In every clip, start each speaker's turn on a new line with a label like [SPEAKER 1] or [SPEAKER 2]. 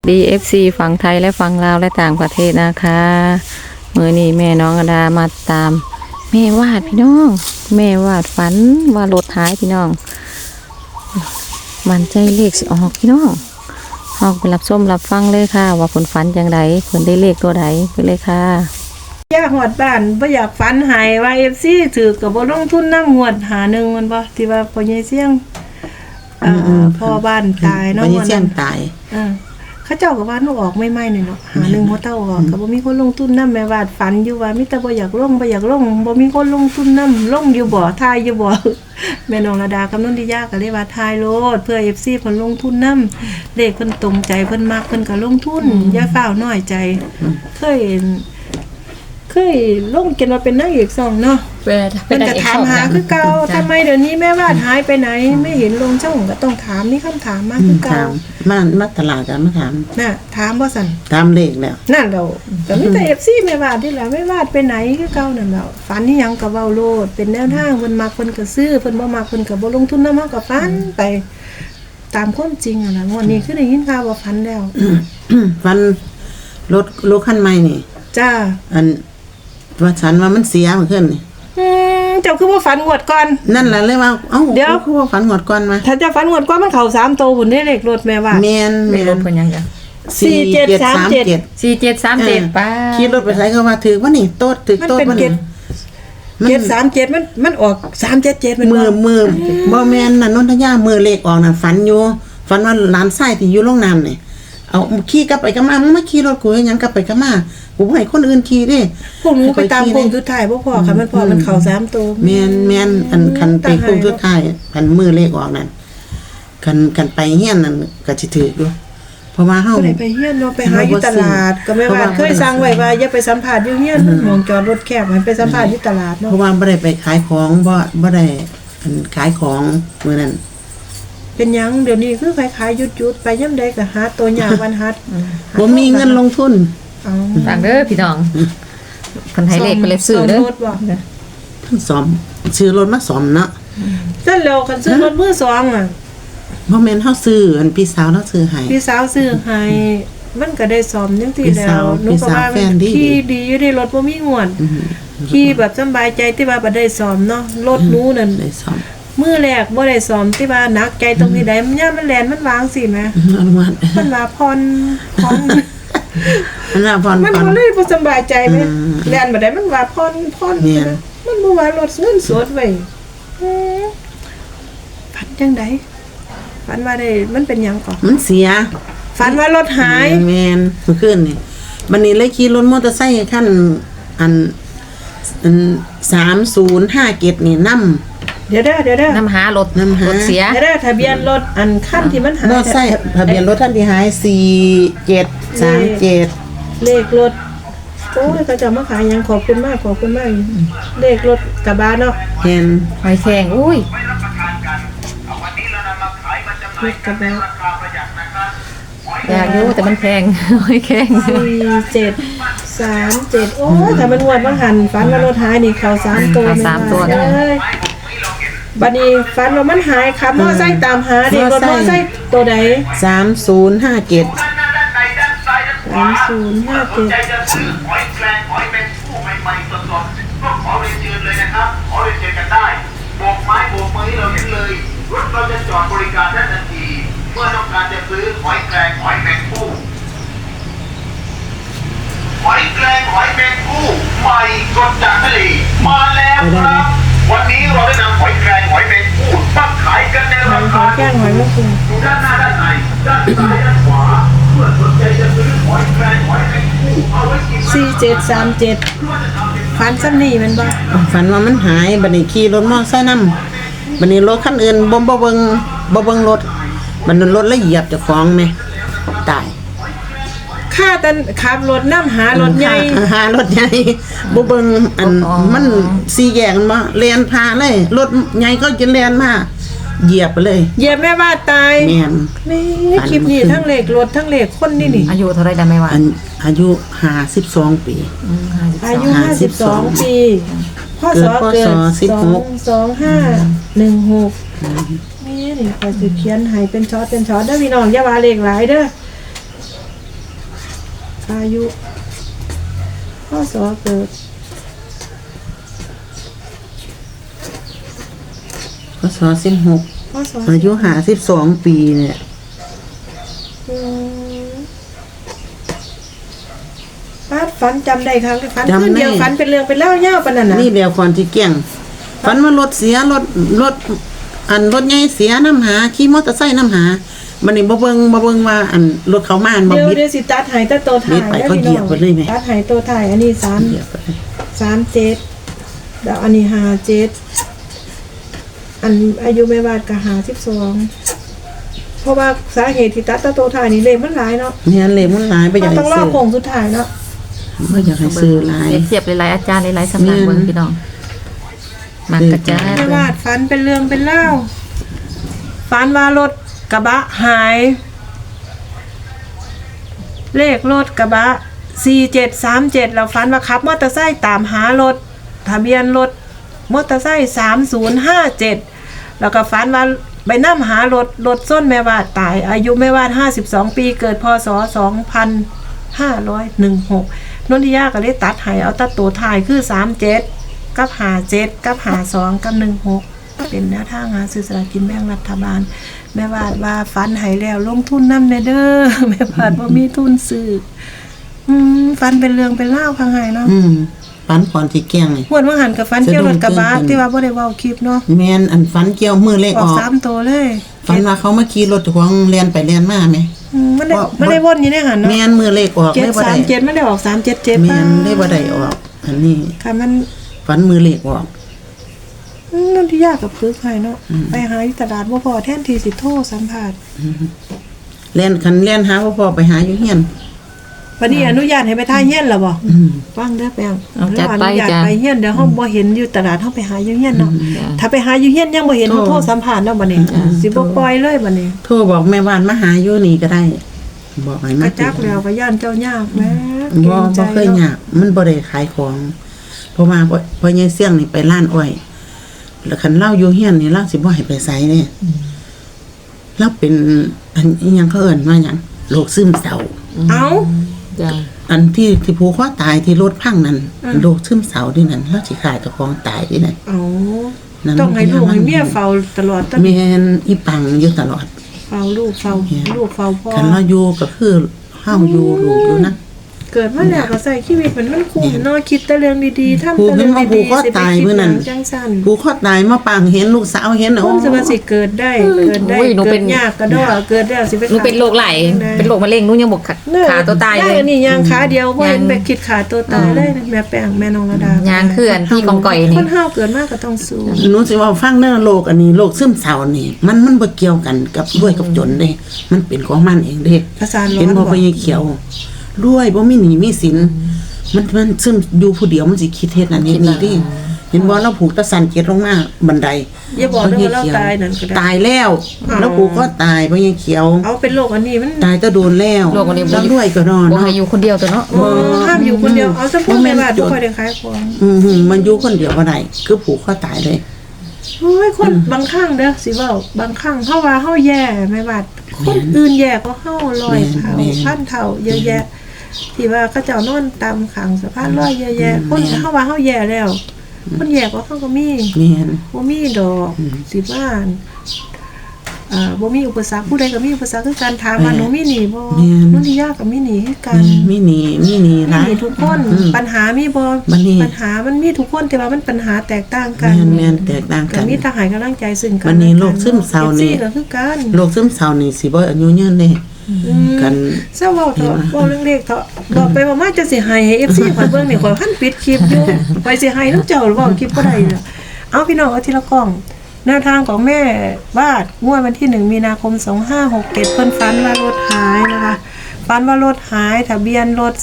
[SPEAKER 1] DFC ฝั่งไทยและฝั่งลาวและต่างประเทศนะคะมื้อนี้แม่น้องอดามาตามแม่วาดพี่น้องแม่วาดฝันว่ารถหายพี่น้องมันใจเลขสิออกพี่น้องออกไปรับส้มรับฟังเลยค่ะว่าผลฝันอย่างไรผลได้เลขตัวใดไปเลยค่ะ
[SPEAKER 2] อยากหวดบ้านบ่อยากฝันหายว่า FC ถือกับบ่ลงทุนนำหวดหาหนึ่งมันบ่ที่ว่าพ่อใหญ่เสี่ยงพ่อบ้านตายเนาะ
[SPEAKER 3] พ่อใหญ่เสี่ยงตาย
[SPEAKER 2] เขาเจ้าก็ว่าหนูออกไม่ๆนี่เนาะหาหนึ่งหัวเต้าออกก็บ่มีคนลงทุนนำแม่วาดฝันอยู่ว่ามีแต่บ่อยากลงบ่มีคนลงทุนนำลงอยู่บ่ทายอยู่บ่ แม่น้องระดากับนนทิยาก็เลยว่าทายโลดเพื่อ FC เพิ่นลงทุนนำเลขเพิ่นตรงใจเพิ่นมักเพิ่นก็ลงทุนอย่าฟ้าวน้อยใจเคยลงกันว่าเป็นนางเอกช่องเนาะเพิ่นก็ถามหาคือเก่าทำไมเดี๋ยวนี้แม่วาดหายไปไหนไม่เห็นลงช่องก็ต้องถามมีคำถามมาคือเก่า
[SPEAKER 3] มาตลาดกันมาถาม
[SPEAKER 2] น่ะถามบ่ซั่น
[SPEAKER 3] ถามเลขแล้ว
[SPEAKER 2] นั่นแล้วก็มีแต่ FC แม่วาดนี่แหละแม่วาดไปไหนคือเก่านั่นแหละฝันอีหยังก็เว้าโลดเป็นแนวทางเพิ่นมักเพิ่นก็ซื้อเพิ่นบ่มักเพิ่นก็บ่ลงทุนนำเฮาก็ฝันไปตามความจริงอ่ะนะงวดนี้คือได้ยินข่าวว่าฝันแล้ว
[SPEAKER 3] ฝันรถคันใหม่นี่
[SPEAKER 2] จ้า
[SPEAKER 3] อันว่าฉันว่ามันเสียมันขึ้นนี่
[SPEAKER 2] เจ้าคือว่าฝันงวดก่อน
[SPEAKER 3] นั่นแหละเลยว่าเอ้าเดี๋ยวคือว่าฝันงวดก่อนมา
[SPEAKER 2] ถ้าจะฝันงวดก่อนมันเข้า3โตพุ่นได้เลขรถแม่ว่า
[SPEAKER 3] แม่น
[SPEAKER 1] รถเพิ่นยังจ้ะ
[SPEAKER 2] 4737
[SPEAKER 1] ป้า
[SPEAKER 3] ขี่รถไปไสก็ว่าถือว่านี่โต๊ดถือโต๊ดมัน
[SPEAKER 2] 737มันออก377มัน
[SPEAKER 3] มือบ่แม่นน่ะนนทยามือเลขออกน่ะฝันอยู่ฝันว่าหลานชายที่อยู่โรงน้ำนี่เอาขี่กลับไปกลับมามึงมาขี่รถกูเฮ็ดหยังกลับไปกลับมากูบ่ให้คนอื่นขี่เด้
[SPEAKER 2] พวกหนูไปตามโค้งสุดท้ายบ่พอค่ะมันพอมันเข้า3โต
[SPEAKER 3] แม่นอันคันไปโค้งสุดท้ายคันมือเลขออกนั่นคันไปเฮียนนั่นก็สิถูกอยู่เพราะว่าเฮา
[SPEAKER 2] ไปเฮียนเนาะไปหาอยู่ตลาดก็แม่ว่าเคยสั่งไว้ว่าอย่าไปสัมภาษณ์อยู่เฮียนมองจอดรถแคบให้ไปสัมภาษณ์อยู่ตลาดเนาะ
[SPEAKER 3] เพราะว่าบ่ได้ไปขายของบ่ได้ขายของมื้อนั้น
[SPEAKER 2] เป็นหยังเดี๋ยวนี้คือขายหยุดๆไปยามใดก็หาตัวยากวันหัด
[SPEAKER 3] บ่มีเงินลงทุน
[SPEAKER 1] ฟังเด้อพี่น้องเพิ่นให้เลขไปเลยซื้อเด้อ
[SPEAKER 3] ซ่อมซื้อรถมาซ่อมเนาะ
[SPEAKER 2] ซั่นแล้วคันซื้อรถมือ2อ่ะ
[SPEAKER 3] บ่แม่นเฮาซื้ออันพี่สาวเนาะซื้อให้
[SPEAKER 2] พี่สาวซื้อให้มันก็ได้ซ่อมจังซี่แล้ว
[SPEAKER 3] หนูก็ว่า
[SPEAKER 2] ขี่ดีอยู่ในรถบ่มีงวดขี่แบบสบายใจที่ว่าบ่ได้ซ่อมเนาะรถหนูนั่น
[SPEAKER 3] ได้ซ่อม
[SPEAKER 2] มือแรกบ่ได้ซ้อมที่ว่านักใจตรงที่ใดมันย่ามันแลนมันวางสิแม่มันว่าพร
[SPEAKER 3] มันว่าพร
[SPEAKER 2] มันบ่เลยบ่สบายใจแม่แลนบ่ได้มันว่าพรมันบ่ว่ารถเงินสดไว้ฝันจังได๋ฝันว่าได้มันเป็นหยังก่อน
[SPEAKER 3] มันเสีย
[SPEAKER 2] ฝันว่ารถหาย
[SPEAKER 3] แม่นเมื่อคืนนี่บัดนี้เลยขี่รถมอเตอร์ไซค์คันอัน3057นี่นำ
[SPEAKER 2] เดี๋ยวน
[SPEAKER 1] ำหารถเสีย
[SPEAKER 2] เดี๋ยวทะเบียนรถอันคันที่มันหาย
[SPEAKER 3] บ่ใช่ทะเบียนรถท่านที่หาย4737
[SPEAKER 2] เลขรถโอ้ยเขาจะมาขายยังขอบคุณมากเลขรถกระบะเนาะ
[SPEAKER 3] เห็น
[SPEAKER 1] หอยแข็งอุ้ย
[SPEAKER 2] รถกระบะ
[SPEAKER 1] อยากรู้แต่มันแพงหอยแข็ง
[SPEAKER 2] 4737โอ้ยแต่มันงวดมาหันฝันว่ารถหายนี่เข้า3ตัวเลยบัดนี้ฝันว่ามันหายครับมอไซค์ตามหาดิรถมอไซค์ตัวใด
[SPEAKER 3] 3057
[SPEAKER 2] 3057
[SPEAKER 4] จะซื้อหอยแครงหอยแมงผู้ใหม่ๆสดๆก็ขอเรียนเชิญเลยนะครับขอเรียนเชิญกันได้โบกไม้โบกมือให้เราเห็นเลยรถเราจะจอดบริการได้ทันทีเมื่อต้องการจะซื้อหอยแครงหอยแมงผู้หอยแครงหอยแมงผู้ใหม่สดจากทะเลมาแล้วครับวันนี้เราได้นำหอยแครงหอยแมงผู้ตั้งขายกันในราคาอยู่ด้านหน้าด้านในด้านซ้ายด้านขวาเมื่อสนใจจะซื้อหอยแครงหอยแมงผู้เอาไว้กิน
[SPEAKER 2] 4737ฝันซ้ำนี่มันบ่
[SPEAKER 3] ฝันว่ามันหายบัดนี้ขี่รถมอไซค์นำบัดนี้รถคันอื่นบ่เบิ่งรถมันรถละเหยียบเจ้าของแม่ตาย
[SPEAKER 2] ค่าตันขับรถนำหารถใหญ่
[SPEAKER 3] บ่เบิ่งอันมัน4แยกบ่แล่นพาเลยรถใหญ่ก็จะแล่นมาเหยียบไปเลย
[SPEAKER 2] เหยียบแม่ว่าตาย
[SPEAKER 3] แม่น
[SPEAKER 2] คลิปนี้ทั้งเลขรถทั้งเลขคนนี่
[SPEAKER 1] อายุเท่าไรล่ะแม่ว่า
[SPEAKER 3] อายุ52ปี
[SPEAKER 2] อายุ52ปีพศเกิด2516นี่ก็สิเขียนให้เป็นช็อตเด้อพี่น้องอย่าว่าเลขหลายเด้ออายุพ่อสอเกิด
[SPEAKER 3] พศ16
[SPEAKER 2] พ่อสอ
[SPEAKER 3] อายุ52ปีเนี่ย
[SPEAKER 2] อืมป้าฝันจำได้ครับฝันขึ้นเดียวฝันเป็นเรื่องเป็นเล่าเย่าปานนั้นน่ะ
[SPEAKER 3] นี่เดียวก่อนที่เกี่ยงฝันว่ารถเสียรถรถใหญ่เสียน้ำหาขี่มอเตอร์ไซค์น้ำหามันนี่บ่เบิ่งว่ารถเขามาบ่
[SPEAKER 2] เดี๋ยว
[SPEAKER 3] บิด
[SPEAKER 2] เดี๋ยวสิตัดหายตะโตถ่าย
[SPEAKER 3] บิดไปเขาเหยียบไปเลยไหม
[SPEAKER 2] ตัดหายโตถ่ายอันนี้
[SPEAKER 3] เหยียบไป
[SPEAKER 2] 37แล้วอันนี้57อันอายุแม่บาดก็52เพราะว่าสาเหตุที่ตัดตะโตถ่ายนี่เลขมันหลายเนาะ
[SPEAKER 3] เนี่ยเลยมันหลายไปอยาก
[SPEAKER 2] ต้องรอ
[SPEAKER 3] ให้ซื้อ
[SPEAKER 2] โค้งสุดท้ายเนาะ
[SPEAKER 3] บ่อยากให้ซื้อหลาย
[SPEAKER 1] เสียบหลายๆอาจารย์หลายๆสำนักเบิ่งพี่น้องมากระจาย
[SPEAKER 2] แม่วาดฝันเป็นเรื่องเป็นเล่าฝันว่ารถกระบะหาย เลขรถกระบะ4737เราฝันว่าขับมอเตอร์ไซค์ตามหารถทะเบียนรถมอเตอร์ไซค์3057แล้วก็ฝันว่าไปนำหารถส้นแม่วาดตาย อายุแม่วาด52ปีเกิดพศ2516นนทิยาก็เลยตัดให้เอาตัดตัวท้ายคือ37กับ57กับ52กับ16เป็นแนวทางหาซื้อสลากกินแบ่งรัฐบาลแม่วาดว่าฝันให้แล้วลงทุนนำแน่เด้อ แม่วาดบ่มีทุนซื้อฝันเป็นเรื่องเป็นเล่าวข้างในเนาะ
[SPEAKER 3] ฝันก่อนที่เกี่ยงนี่
[SPEAKER 2] หวนว่าหันกับฝันเกี่ยวรถกระบะที่ว่าบ่ได้เว้าคลิปเนาะ
[SPEAKER 3] แม่นฝันเกี่ยวมือเลข
[SPEAKER 2] อ
[SPEAKER 3] อ
[SPEAKER 2] อก
[SPEAKER 3] อก
[SPEAKER 2] 3ตัวเลย
[SPEAKER 3] ฝันว่าเขามาขี่รถของเรียนไปเรียนมาไหม
[SPEAKER 2] มันได้วนอยู่ในหันเนาะ
[SPEAKER 3] แม่นมือเลขออกได้บ่ได้
[SPEAKER 2] 737มันได้ออก377
[SPEAKER 3] แม่นได้บ่ได้ออก อันนี้
[SPEAKER 2] ค่ะมัน
[SPEAKER 3] ฝันมือเลขออก
[SPEAKER 2] นั่นที่ยากกับปึ๊กให้เนาะไปหาอยู่ตลาดบ่พอแทนที่สิโทรสัมภาษณ์
[SPEAKER 3] เรียนหาพ่อไปหาอยู่เฮียน
[SPEAKER 2] วันนี้อนุญาตให้ไปท่าเฮียนแล้วบ่ฟังเด้อแปง
[SPEAKER 1] เอาจัดไป
[SPEAKER 2] อนุญาต
[SPEAKER 1] จ้ะ
[SPEAKER 2] ไปเฮียนเดี๋ยวเฮาบ่เห็นอยู่ตลาดเฮาไปหาอยู่เฮียนเนาะถ้าไปหาอยู่เฮียนยังบ่เห็นเฮาโทรสัมภาษณ์เนาะบัดนี้สิบ่ปล่อยเลยบัดนี้
[SPEAKER 3] โทรบอกแม่บ้านมาหาอยู่นี่ก็ได้ บอกให้
[SPEAKER 2] ก
[SPEAKER 3] มา
[SPEAKER 2] ระจักแล้วก็ย่านเจ้ายากแม่
[SPEAKER 3] บ่เคยยากมันบ่ได้ขายของ เพราะว่าพอยายเสี่ยงนี่ไปร้านอ้อยแล้วคันเล่าอยู่เฮียนนี่เล่าสิบ่ให้ไปไสเด้เราเป็นอันอิหยังเขาเอิ้นว่าหยังโรคซึมเศร้า
[SPEAKER 2] เอ้า
[SPEAKER 1] จ้ะ
[SPEAKER 3] อันที่ผูกคอตายที่รถพังนั่นโรคซึมเศร้าที่นั่นเราสิขาดเจ้าของตายที่นั่น
[SPEAKER 2] เอ้า
[SPEAKER 3] นั่น
[SPEAKER 2] ต้องให้ลูกให้เมียเฝ้าตลอด
[SPEAKER 3] แม่นอีปังอยู่ตลอด
[SPEAKER 2] เฝ้าลูกเฝ้าพ่อ
[SPEAKER 3] คันเราอยู่ก็คือเฮาอยู่ลูกอยู่นะ
[SPEAKER 2] เกิดมาแล้วก็ใส่ชีวิตมันคุ้มเนาะคิดแต่เรื่องดีๆทำ
[SPEAKER 3] ผูก
[SPEAKER 2] แต่
[SPEAKER 3] เห็
[SPEAKER 2] เรื่
[SPEAKER 3] น
[SPEAKER 2] อง
[SPEAKER 3] ว่าผู
[SPEAKER 2] ดี
[SPEAKER 3] กคอ
[SPEAKER 2] ๆสิไป
[SPEAKER 3] ตาย
[SPEAKER 2] คิด
[SPEAKER 3] มื้อ
[SPEAKER 2] ห
[SPEAKER 3] นั้
[SPEAKER 2] ยั
[SPEAKER 3] น
[SPEAKER 2] งจังซั่น
[SPEAKER 3] ผูกคอตายมาปังเห็นลูกสาวเห็น
[SPEAKER 2] คนสิว่าสิเกิดได้เกิดได้
[SPEAKER 1] โอ้ยหนู
[SPEAKER 2] เกิ
[SPEAKER 1] เป็
[SPEAKER 2] ด
[SPEAKER 1] น
[SPEAKER 2] ยากก็ดอเกิดแล้วสิไป
[SPEAKER 1] หนูเป็นโรคไหลเป็นโรคมะเร็งหนูยังบอกขาตัวตายเลย
[SPEAKER 2] นี่ยางขาเดียวบ่เห็นไปคิดขาตัวตายเลยแม่แป้งแม่น้องระดาย
[SPEAKER 1] างคืออันที่กองก่อยนี่
[SPEAKER 2] คนเฮาเกิดมาก็ต้องสู้
[SPEAKER 3] หนูสิว่าฟังเด้อโรคอันนี้โรคซึมเศร้านี่มันบ่เกี่ยวกันกับรวยกับจนเด้มันเป็นของมันเองเด้
[SPEAKER 2] ประสานร้อน
[SPEAKER 3] เห็นบ่
[SPEAKER 2] บ่
[SPEAKER 3] ไปเขียวรวยบ่มีหนี้มีสินมันซึมอยู่ผู้เดียวมันสิคิดเฮ็ดนั่นเฮ็ดนี่ดิเห็นบ่เราผูกตะสันเกียรลงมาบันได
[SPEAKER 2] อย่าบอกเด้อว่าเราตายนั่นก็ได้
[SPEAKER 3] ตายแล้วแล้วผูกก็ตายบ่ยังเขียว
[SPEAKER 2] เอาเป็นโรคอันนี้มัน
[SPEAKER 3] ตายตะโดนแล้ว
[SPEAKER 1] โรคอันนี้บ่
[SPEAKER 3] แล้วรวยก็นอน
[SPEAKER 1] บ่
[SPEAKER 3] เนาะ
[SPEAKER 1] ให้อยู่คนเดียวตัวเนาะ
[SPEAKER 2] ห้ามอยู่คนเดียวเอาซะพูดแม่ว่าบ่ค่อยได้ขายของ
[SPEAKER 3] มันอยู่คนเดียวบ่ได้คือผูกคอตายเลย
[SPEAKER 2] โอ้ยคนบางครั้งเด้อสิเว้าบางครั้งเฮาว่าเฮาแย่แม่ว่าคนอื่นแย่ก็เฮา100เท่าพันเท่าเยอะแยะที่ว่าเขาเจ้านอนตามขังสะพานลอยเยอะแยะคนเฮาว่าเฮาแย่แล้วคนแย่ก็เฮาก็มี
[SPEAKER 3] แม่น
[SPEAKER 2] บ่มีดอกสิบ้านบ่มีอุปสรรคผู้ใดก็มีอุปสรรคคือการถามว่าหนูมีหนี้บ่นนทิยาก็มีหนี้คือกัน
[SPEAKER 3] มีหนี้ห
[SPEAKER 2] มี
[SPEAKER 3] ลาย
[SPEAKER 2] หนี้ทุกคนปัญหามีบ่
[SPEAKER 3] บัดนี้
[SPEAKER 2] ปัญหามันมีทุกคนแต่ว่ามันปัญหาแตกต่างกัน
[SPEAKER 3] แม่นแตกต่างกั
[SPEAKER 2] ก็
[SPEAKER 3] น
[SPEAKER 2] มีทหารกำลังใจซึ่งกัน
[SPEAKER 3] บัดนี้โรคซึมเศร้านี่
[SPEAKER 2] ก็คือกัน
[SPEAKER 3] โรคซึมเศร้านี่สิบ่อายุยืนเด้กัน
[SPEAKER 2] เศร้าเว้าเถอะเว้าเรื่องเลขเถอะบอกไปว่ามาจะสิให้ FC ข่อยเบิ่งนี่ข่อยพันปิดคลิปอยู่ข่อยสิให้นำเจ้าเว้าคลิปบ่ได้เด้อเอาพี่น้องเอาทีละกล้องแนวทางของแม่วาดงวดวันที่1มีนาคม2567เพิ่นฝันว่ารถหายนะคะฝันว่ารถหายทะเบียนรถ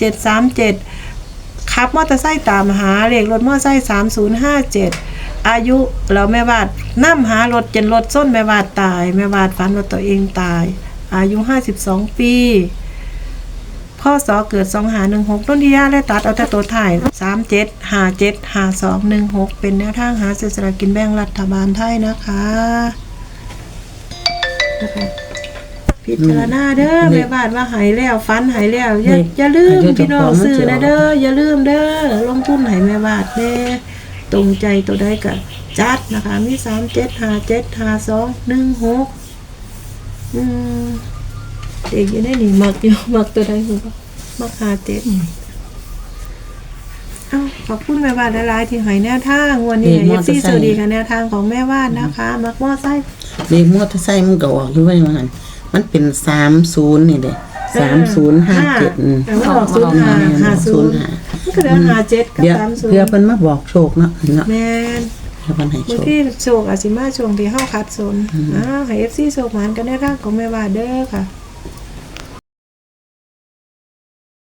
[SPEAKER 2] 4737ขับมอเตอร์ไซค์ตามหาเลขรถมอเตอร์ไซค์3057อายุแล้วแม่วาดนํหารถจนรถส้นแม่วาดตายแม่วาดฝันว่าตัวเองตายอายุ52ปีพ่อสอเกิด2516ต้นที่ย่าและตัดเอาแต่ตัวถ่าย37575216เป็นแนวทางหาซื้อสลากกินแบ่งรัฐบาลไทยนะคะพิจารณาเด้อแม่บ้านว่าหายแล้วฟันหายแล้วอย่าลืมพี่น้องซื้อนะเด้ออย่าลืมเด้อลงทุนให้แม่บ้านเด้ตรงใจตัวใดก็จัดนะคะมี37575216เด็กอยู่ในนี่มักอยู่มักตัวใดคือมัก57ขอบคุณแม่บ้านหลายๆที่ให้แนวทางวันนี้FCสวัสดีค่ะแนวทางของแม่บ้านนะคะมักมอไซค์
[SPEAKER 3] เลขมอเตอร์ไซค์มันก็ออกอยู่ว่าอย่างนั้นมันเป็น30นี่เด้3057
[SPEAKER 2] มันออก0550มันก็เหลือ57กับ30
[SPEAKER 3] เพื่อเพิ่นมาบอกโชคเนาะ
[SPEAKER 2] แม่น
[SPEAKER 3] เพื่อเพิ่นให้โช
[SPEAKER 2] บาง
[SPEAKER 3] ค
[SPEAKER 2] ทีโชคอาจสิมาช่วงที่เฮาขัดสนให้ FC โชคหมานกันในทางของแม่บ้านเด้อค่ะ